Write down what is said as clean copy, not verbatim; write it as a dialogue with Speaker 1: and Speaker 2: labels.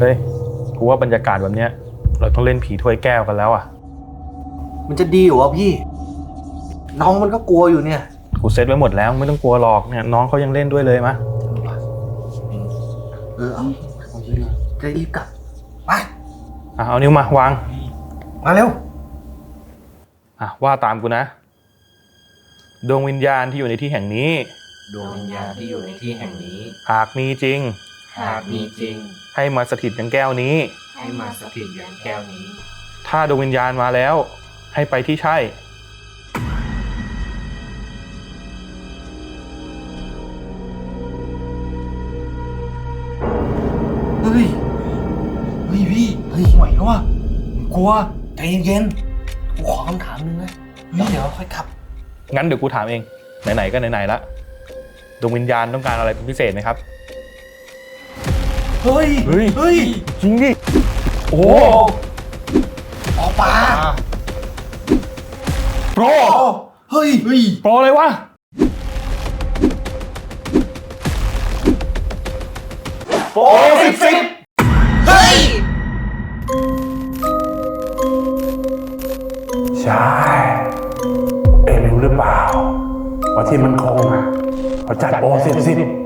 Speaker 1: เฮ้ยกูว่าบรรยากาศแบบเนี้ยเราต้องเล่นผีถ้วยแก้วกันแล้วอ่ะ
Speaker 2: มันจะดีเหรอพี่น้องมันก็กลัวอยู่เนี่ย
Speaker 1: กูเซตไว้หมดแล้วไม่ต้องกลัวหรอกเนี่ยน้องเขายังเล่นด้วยเลยมะ
Speaker 2: เอาจริงเลยจะรีบกลับไป
Speaker 1: เอานิ้วมาวาง
Speaker 2: มาเร็ว
Speaker 1: ว่าตามกูนะดวงวิญญาณที่อยู่ในที่แห่งนี้
Speaker 3: ดวงวิญญาณที่อยู่ในที่แห่งนี้
Speaker 1: หากมีจริงให้มาสถิตยังแก้วนี้
Speaker 3: ให้มาสถิตยังแก้วนี้
Speaker 1: ถ้าดวงวิญญาณมาแล้วให้ไปที่ใช่
Speaker 2: เฮ้ยพี่ไหวแล้ววะกลัวใจเย็นๆกูขอคำถามนึงนะเดี๋ยวค่อยขับ
Speaker 1: งั้นเดี๋ยวกูถามเองไหนๆก็ไหนๆละดวงวิญญาณต้องการอะไรเป็นพิเศษไหมครับ
Speaker 2: เฮ้ย
Speaker 1: จริงดิโอ้
Speaker 2: ปลา
Speaker 1: โปร
Speaker 2: เฮ้ย
Speaker 1: โปรเลยวะ
Speaker 2: โปร10เฮ้ย
Speaker 4: ใช่เอ็งรู้หรือเปล่าว่าที่มันคงเขาจัดโปร10